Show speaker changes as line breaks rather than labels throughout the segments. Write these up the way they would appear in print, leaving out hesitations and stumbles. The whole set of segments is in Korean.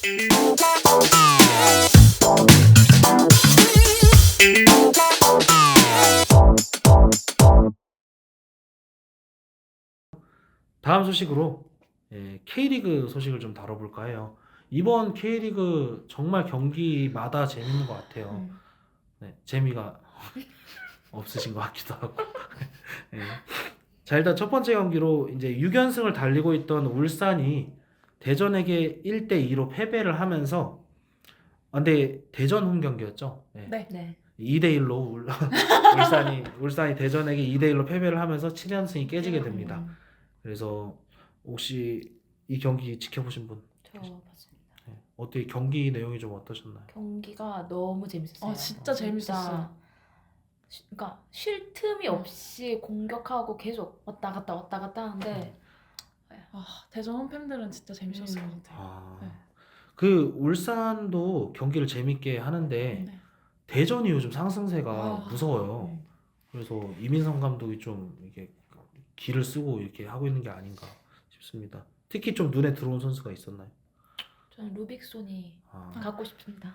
다음 소식으로 K리그 소식을 좀 다뤄볼까 해요. 이번 K리그 정말 경기마다 재밌는 것 같아요. 네, 재미가 없으신 것 같기도 하고. 네. 자, 일단 첫 번째 경기로 이제 6연승을 달리고 있던 울산이 대전에게 1대2로 패배를 하면서, 근데 대전 홈 경기였죠. 네.
네.
네.
2대1로 울산이 대전에게 2대1로 패배를 하면서 7연승이 깨지게 됩니다. 그래서 혹시 이 경기 지켜보신 분?
저 봤습니다.
네. 어떻게 경기 내용이 좀 어떠셨나요?
경기가 너무 재밌었어요.
진짜 재밌었어요.
그러니까 쉴 틈이 없이 공격하고 계속 왔다 갔다 하는데
대전 홈팬들은 진짜 재밌었을 것 같아요. 네.
그 울산도 경기를 재밌게 하는데
네.
대전이 요즘 상승세가 무서워요.
음.
그래서 이민성 감독이 좀 이게 기를 쓰고 이렇게 하고 있는 게 아닌가 싶습니다. 특히 좀 눈에 들어온 선수가 있었나요?
저는 루빅손이 갖고 싶습니다.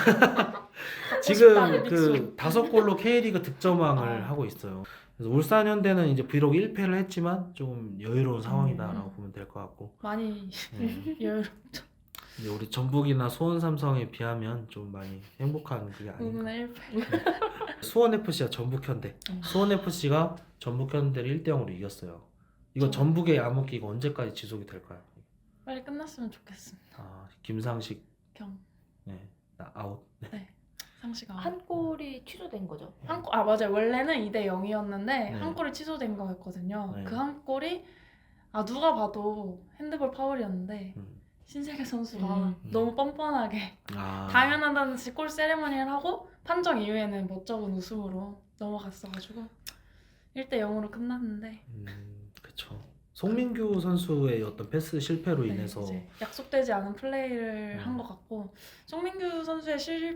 지금
싶다,
그 5골로 K리그 득점왕을 하고 있어요. 그래서 울산 현대는 이제 비록 1패를 했지만 좀 여유로운 상황이다라고 보면 될 것 같고.
많이
네.
여유롭죠.
이제 우리 전북이나 수원 삼성에 비하면 좀 많이 행복한 그게 아닌가.
의문의 1패.
수원 FC와 전북 현대. 수원 FC가 전북 현대를 1대0으로 이겼어요. 이거 전북의 암흑기가 언제까지 지속이 될까요?
빨리 끝났으면 좋겠습니다.
김상식
경.
네, 아웃.
네. 상시가
한 골이 취소된 거죠.
맞아요. 원래는 2대0이었는데
네.
한 골이 취소된 거였거든요.
네.
그 한 골이 누가 봐도 핸드볼 파울이었는데
음.
신세계 선수가
음.
너무 뻔뻔하게 당연하다는 듯이 골 세레머니를 하고 판정 이후에는 멋쩍은 웃음으로 넘어갔어가지고 1대0으로 끝났는데
그쵸. 송민규 선수의 어떤 패스 실패로 인해서
이제 약속되지 않은 플레이를
네.
한 것 같고 송민규 선수의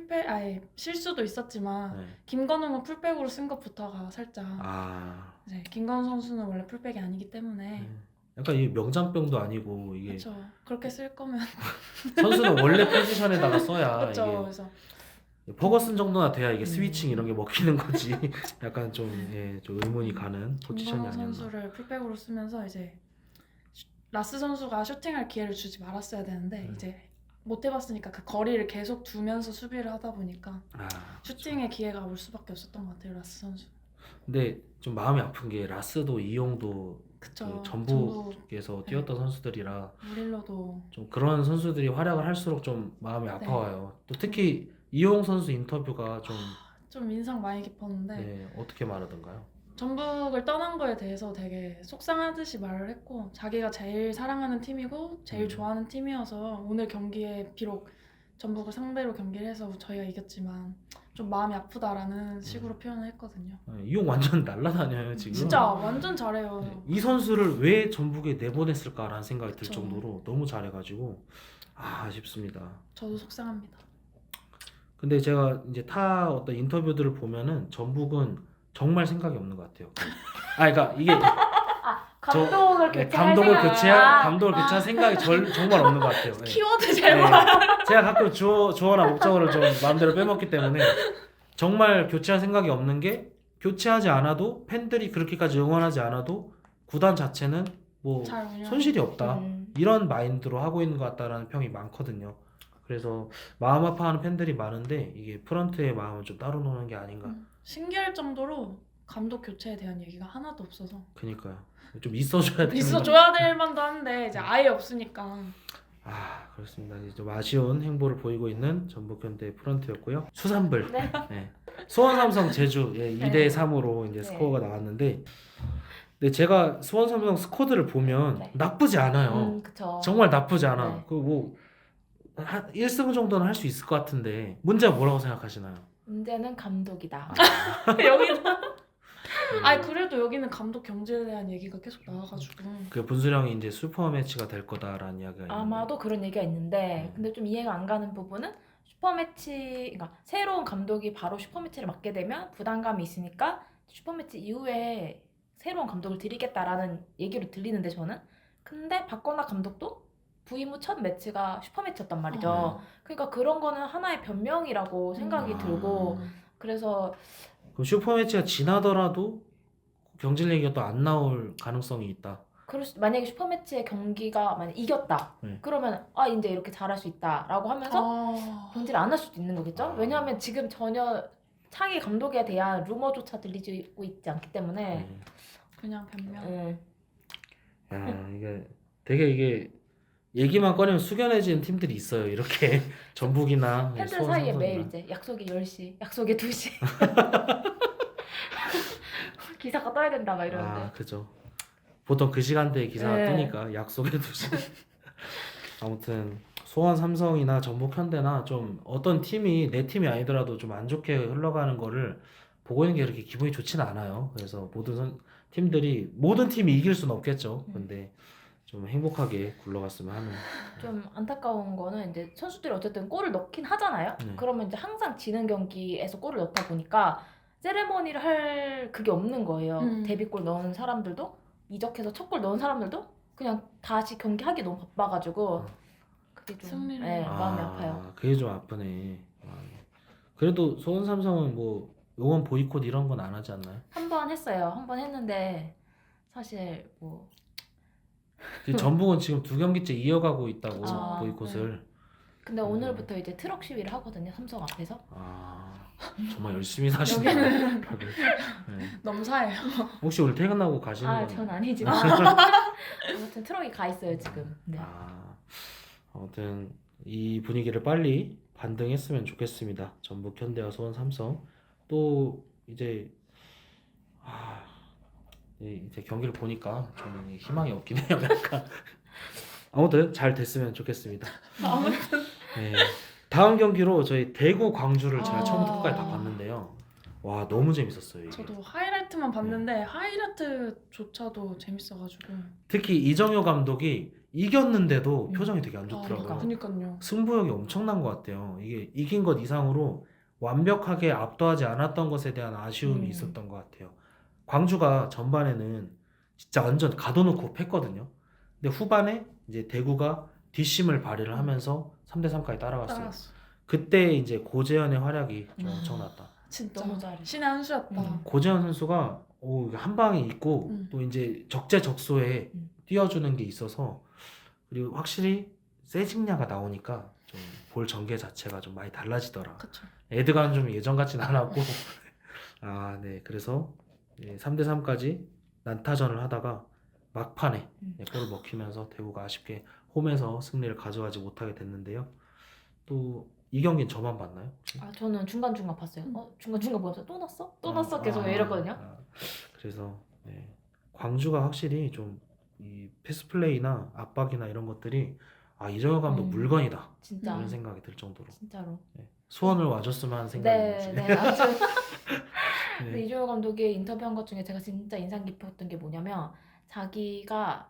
실수도 있었지만
네.
김건웅은 풀백으로 쓴 것부터가 살짝 이제 김건웅 선수는 원래 풀백이 아니기 때문에
약간 이 명장병도 아니고 이게
그렇죠. 그렇게 쓸 거면
선수는 원래 포지션에다가 써야
그렇죠.
이게
그래서
퍼거슨 정도나 돼야 이게 스위칭 이런 게 먹히는 거지. 약간 좀 의문이 가는 포지션이
김건웅
아니었나.
선수를 풀백으로 쓰면서 이제 라스 선수가 슈팅할 기회를 주지 말았어야 되는데 이제 못 해봤으니까 그 거리를 계속 두면서 수비를 하다 보니까 슈팅의 기회가 올 수밖에 없었던 것 같아요. 라스 선수.
근데 좀 마음이 아픈 게 라스도 이용도
그쵸.
그 전북에서 뛰었던 선수들이라
무릴로도
좀 그런 선수들이 활약을 할수록 좀 마음이 아파와요. 또 특히 이용 선수 인터뷰가
좀 인상 많이 깊었는데
어떻게 말하던가요?
전북을 떠난 거에 대해서 되게 속상하듯이 말을 했고 자기가 제일 사랑하는 팀이고 제일 좋아하는 팀이어서 오늘 경기에 비록 전북을 상대로 경기를 해서 저희가 이겼지만 좀 마음이 아프다라는 식으로 표현을 했거든요.
이용 완전 날라다녀요 지금.
진짜 완전 잘해요.
이 선수를 왜 전북에 내보냈을까라는 생각이 들
그쵸.
정도로 너무 잘해가지고 아쉽습니다.
저도 속상합니다.
근데 제가 이제 타 어떤 인터뷰들을 보면은 전북은 정말 생각이 없는 것 같아요. 그러니까 이게
감독을
감독을 교체할 생각이 정말 없는 것 같아요. 네.
키워드 제발.
제가 가끔 주어나 목적어를 좀 마음대로 빼먹기 때문에 정말 교체할 생각이 없는 게 교체하지 않아도 팬들이 그렇게까지 응원하지 않아도 구단 자체는 뭐 손실이 없다 이런 마인드로 하고 있는 것 같다라는 평이 많거든요. 그래서 마음 아파하는 팬들이 많은데 이게 프런트의 마음을 좀 따로 노는 게 아닌가.
신기할 정도로 감독 교체에 대한 얘기가 하나도 없어서.
그니까요. 좀 있어줘야
될 만도 한데 이제 아예 없으니까.
그렇습니다. 이제 좀 아쉬운 행보를 보이고 있는 전북현대 프런트였고요. 수산불. 네. 수원 삼성 제주 2대3으로 이제 스코어가 나왔는데, 근데 제가 수원 삼성 스쿼드를 보면 나쁘지 않아요.
그쵸.
정말 나쁘지 않아.
네.
그 뭐 1승 정도는 할 수 있을 것 같은데 문제가 뭐라고 생각하시나요?
문제는 감독이다.
여기는 그래도 여기는 감독 경질에 대한 얘기가 계속 나와가지고
그 분수령이 이제 슈퍼 매치가 될 거다라는 이야기가
아마도 그런 얘기가 있는데 근데 좀 이해가 안 가는 부분은 슈퍼매치, 그러니까 새로운 감독이 바로 슈퍼매치를 맡게 되면 부담감이 있으니까 슈퍼매치 이후에 새로운 감독을 들이겠다라는 얘기로 들리는데 저는 근데 박건하 감독도 부임 후 첫 매치가 슈퍼매치였단 말이죠. 그러니까 그런 거는 하나의 변명이라고 생각이
아.
들고 그래서
그럼 슈퍼매치가 지나더라도 경질 얘기가 또 안 나올 가능성이 있다.
만약에 슈퍼매치의 경기가 만약 이겼다.
네.
그러면 이제 이렇게 잘할 수 있다라고 하면서 경질을 안 할 수도 있는 거겠죠?
아.
왜냐하면 지금 전혀 차기 감독에 대한 루머조차 들리고 있지 않기 때문에
그냥 변명.
야, 이게 되게 이게 얘기만 꺼내면 숙연해지는 팀들이 있어요. 이렇게 전북이나
팬들
수원,
사이에
삼성이나.
매일 이제 약속이 10시, 약속이 2시 기사가 떠야 된다 막 이러는데
아, 그죠. 보통 그 시간대에 기사가
네.
뜨니까 약속해 두시. 아무튼 수원 삼성이나 전북 현대나 좀 어떤 팀이 내 팀이 아니더라도 좀 안 좋게 흘러가는 거를 보고 있는 게 그렇게 기분이 좋지는 않아요. 그래서 팀들이 모든 팀이 이길 수는 없겠죠. 근데 좀 행복하게 굴러갔으면 하는.
좀 안타까운 거는 이제 선수들이 어쨌든 골을 넣긴 하잖아요.
네.
그러면 이제 항상 지는 경기에서 골을 넣다 보니까 세레머니를 할 그게 없는 거예요. 데뷔골 넣은 사람들도 이적해서 첫 골 넣은 사람들도 그냥 다시 경기하기 너무 바빠가지고 그게 좀
승리를.
마음이 아파요.
그게 좀 아프네. 그래도 수원 삼성은 뭐 응원 보이콧 이런 건 안 하지 않나요?
한 번 했어요. 한 번 했는데 사실 뭐
전북은 지금 2경기째 이어가고 있다고
아,
보이콧을.
근데 오늘부터 이제 트럭 시위를 하거든요. 삼성 앞에서.
정말 열심히 사시네요. 다들. 네.
넘사예요.
혹시 오늘 퇴근하고 가시는 건?
전 아니지만 아무튼 트럭이 가 있어요 지금. 네.
아무튼 이 분위기를 빨리 반등했으면 좋겠습니다. 전북, 현대와 수원, 삼성. 또 이제 이제 경기를 보니까 좀 희망이 없긴 해요. 약간. 아무튼 잘 됐으면 좋겠습니다.
아무튼
네. 다음 경기로 저희 대구 광주를 제가
아.
처음부터 끝까지 다 봤는데요. 와, 너무 재밌었어요. 이게.
저도 하이라이트만 봤는데 하이라이트조차도 재밌어가지고.
특히 이정효 감독이 이겼는데도 표정이 되게 안
그러니까.
좋더라고요.
그니까요.
승부욕이 엄청난 것 같아요. 이게 이긴 것 이상으로 완벽하게 압도하지 않았던 것에 대한 아쉬움이 있었던 것 같아요. 광주가 전반에는 진짜 완전 가둬놓고 팼거든요. 근데 후반에 이제 대구가 뒷심을 발휘를 하면서 3대3까지 따라갔어요.
따라갔어.
그때 이제 고재현의 활약이 좀 엄청났다.
진짜
너무 잘해.
신의 한 수였다.
고재현 선수가 한 방이 있고 또 이제 적재적소에 띄워주는 게 있어서 그리고 확실히 세징야가 나오니까 좀 볼 전개 자체가 좀 많이 달라지더라.
그쵸.
에드가는 좀 예전 같진 않았고 네. 그래서 3대3까지 난타전을 하다가 막판에 골을 먹히면서 대구가 아쉽게 홈에서 승리를 가져가지 못하게 됐는데요. 또 이 경기는 저만 봤나요? 혹시?
저는 중간중간 봤어요. 중간중간 보면서 또 넣었어? 또 넣었어? 계속 이랬거든요.
그래서 광주가 확실히 좀 이 패스 플레이나 압박이나 이런 것들이 이정효 감독 물건이다.
진짜.
이런 생각이 들 정도로.
진짜로.
수원을 와줬으면 하는 생각이
네, 아무튼
네.
근데 이종호 감독이 인터뷰한 것 중에 제가 진짜 인상 깊었던 게 뭐냐면 자기가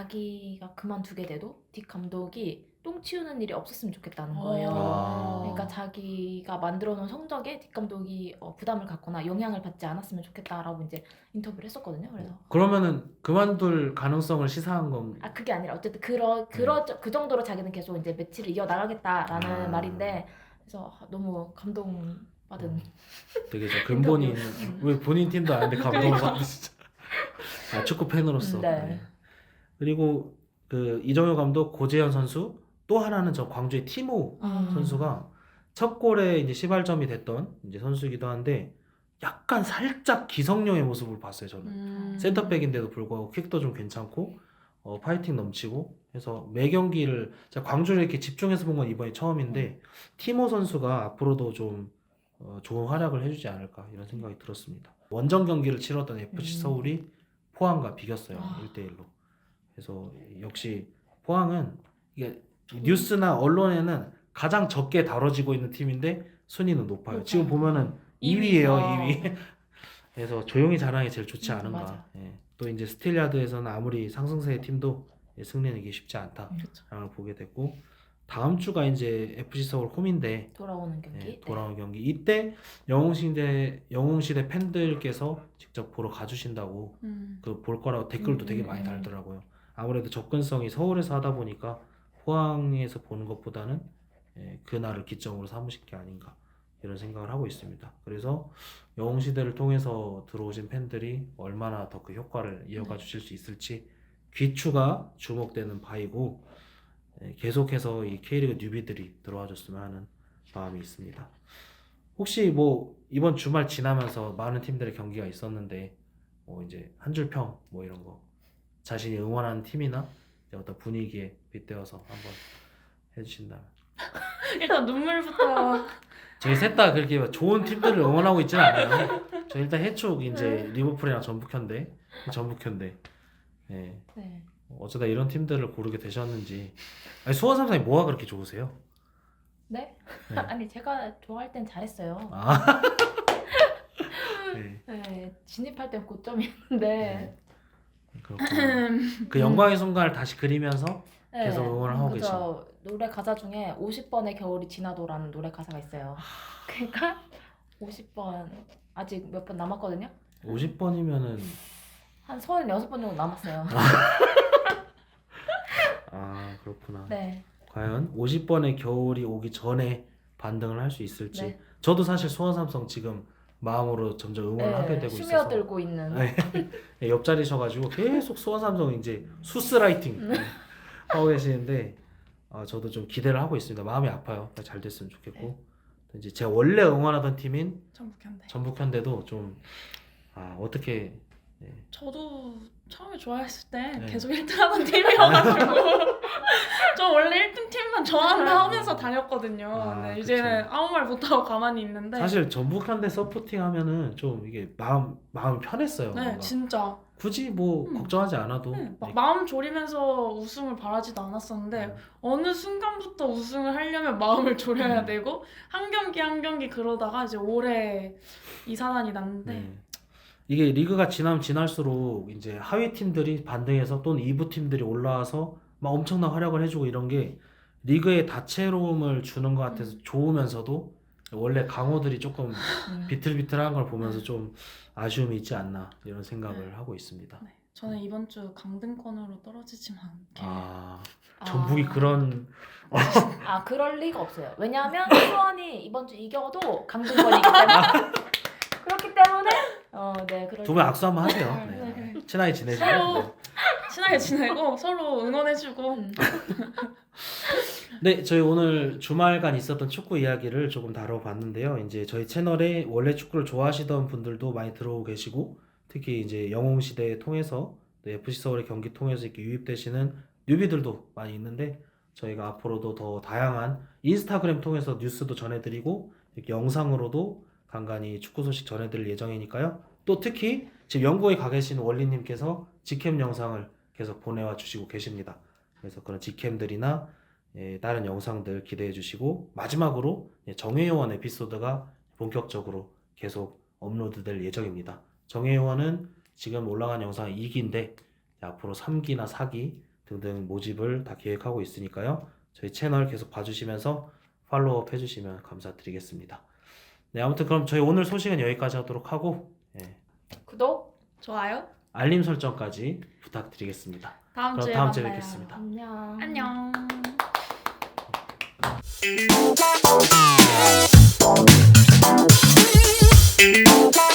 그만두게 돼도 딕 감독이 똥 치우는 일이 없었으면 좋겠다는 거예요. 그러니까 자기가 만들어 놓은 성적에 딕 감독이 부담을 갖거나 영향을 받지 않았으면 좋겠다라고 이제 인터뷰를 했었거든요. 그래서
그러면은 그만둘 가능성을 시사한 건
그게 아니라 어쨌든 그 정도로 자기는 계속 이제 매치를 이어 나가겠다라는 말인데 그래서 너무 감동받은
되게 저 근본이 있는 왜 본인 팀도 아닌데 감동을 받는 진짜 축구 팬으로서.
네.
그리고 그 이정효 감독, 고재현 선수 또 하나는 저 광주의 티모 선수가 첫 골에 이제 시발점이 됐던 이제 선수이기도 한데 약간 살짝 기성용의 모습을 봤어요. 저는 센터백인데도 불구하고 킥도 좀 괜찮고 파이팅 넘치고 해서 매 경기를 제가 광주를 이렇게 집중해서 본 건 이번이 처음인데 티모 선수가 앞으로도 좀 좋은 활약을 해주지 않을까 이런 생각이 들었습니다. 원정 경기를 치렀던 FC 서울이 포항과 비겼어요. 1대1로. 그래서 역시 포항은 이게 뉴스나 언론에는 가장 적게 다뤄지고 있는 팀인데 순위는 높아요. 지금 보면은 2위예요, 2위. 그래서 조용히 잘하는 게 제일 좋지 않은가.
맞아.
또 이제 스틸야드에서는 아무리 상승세의 팀도 승리는 이게 쉽지 않다라는 보게 됐고 다음 주가 이제 FC 서울 홈인데
돌아오는 경기.
돌아오는 경기 이때 영웅시대 팬들께서 직접 보러 가주신다고 그 볼 거라고 댓글도 되게 많이 달더라고요. 아무래도 접근성이 서울에서 하다 보니까 포항에서 보는 것보다는 그날을 기점으로 삼으신 게 아닌가 이런 생각을 하고 있습니다. 그래서 영웅시대를 통해서 들어오신 팬들이 얼마나 더 그 효과를 이어가 주실 수 있을지 귀추가 주목되는 바이고 계속해서 이 K리그 뉴비들이 들어와 줬으면 하는 마음이 있습니다. 혹시 뭐 이번 주말 지나면서 많은 팀들의 경기가 있었는데 뭐 이제 한 줄 평 뭐 이런 거 자신이 응원하는 팀이나 이제 어떤 분위기에 빗대어서 한번 해주신다면.
일단 눈물부터.
저희 셋 다 그렇게 좋은 팀들을 응원하고 있지는 않아요. 저 일단 해축 이제 리버풀이랑 전북현대. 예.
네.
어쩌다 이런 팀들을 고르게 되셨는지. 아니, 수원 삼성이 뭐가 그렇게 좋으세요?
네?
네.
아니 제가 좋아할 땐 잘했어요.
아. 네.
네, 진입할 땐 고점이었는데
네. 그렇구나. 그 영광의 순간을 다시 그리면서 계속 응원을 하고
그죠. 노래 가사 중에 50번의 겨울이 지나도라는 노래 가사가 있어요. 그러니까 50번 아직 몇 번 남았거든요.
50번이면은
한 36번 정도 남았어요.
아 그렇구나.
네.
과연 50번의 겨울이 오기 전에 반등을 할 수 있을지.
네.
저도 사실 수원 삼성 지금 마음으로 점점 응원을 하게 되고 있어서
스며들고 있는.
네, 옆자리셔가지고 계속 수원 삼성 이제 수스라이팅 하고 계시는데 저도 좀 기대를 하고 있습니다. 마음이 아파요. 잘 됐으면 좋겠고 이제 제가 원래 응원하던 팀인
전북현대.
전북현대도 좀 어떻게
저도 처음에 좋아했을 때
네.
계속 1등하던 팀이어가지고 저 원래 1등 팀만 좋아한다 하면서 다녔거든요. 근데
그쵸.
이제는 아무 말 못하고 가만히 있는데
사실 전북현대 서포팅 하면은 좀 이게 마음이 편했어요.
네
뭔가.
진짜
굳이 뭐 걱정하지 않아도
막 마음 졸이면서 우승을 바라지도 않았었는데 어느 순간부터 우승을 하려면 마음을 졸여야 되고 한 경기 한 경기 그러다가 이제 올해 이사단이 났는데
네. 이게 리그가 지나면 지날수록 이제 하위 팀들이 반등해서 또는 2부 팀들이 올라와서 막 엄청난 활약을 해주고 이런 게 리그에 다채로움을 주는 것 같아서 좋으면서도 원래 강호들이 조금 비틀비틀한 걸 보면서 좀 아쉬움이 있지 않나 이런 생각을 하고 있습니다.
네, 저는 이번 주 강등권으로 떨어지지만 않게
전북이 그런
그럴 리가 없어요. 왜냐하면 수원이 이번 주 이겨도 강등권이기 때문에 그렇기 때문에 네 그럴
두 분 악수 한번 하세요.
네.
네. 친하게 지내시고.
서로 친하게 지내고 서로 응원해주고
네, 저희 오늘 주말간 있었던 축구 이야기를 조금 다뤄봤는데요. 이제 저희 채널에 원래 축구를 좋아하시던 분들도 많이 들어오고 계시고, 특히 이제 영웅시대 통해서 또 FC 서울의 경기 통해서 이렇게 유입되시는 뉴비들도 많이 있는데, 저희가 앞으로도 더 다양한 인스타그램 통해서 뉴스도 전해드리고, 이렇게 영상으로도 간간히 축구 소식 전해드릴 예정이니까요. 또 특히 지금 영국에 가 계신 원리님께서 직캠 영상을 계속 보내와 주시고 계십니다. 그래서 그런 직캠들이나 다른 영상들 기대해 주시고 마지막으로 정예요원 에피소드가 본격적으로 계속 업로드될 예정입니다. 정예요원은 지금 올라간 영상 2기인데 앞으로 3기나 4기 등등 모집을 다 계획하고 있으니까요. 저희 채널 계속 봐주시면서 팔로우업 해주시면 감사드리겠습니다. 네, 아무튼 그럼 저희 오늘 소식은 여기까지 하도록 하고
구독
좋아요.
알림 설정까지 부탁드리겠습니다.
다음 주에
다음 주에
만나요.
뵙겠습니다.
안녕.
안녕.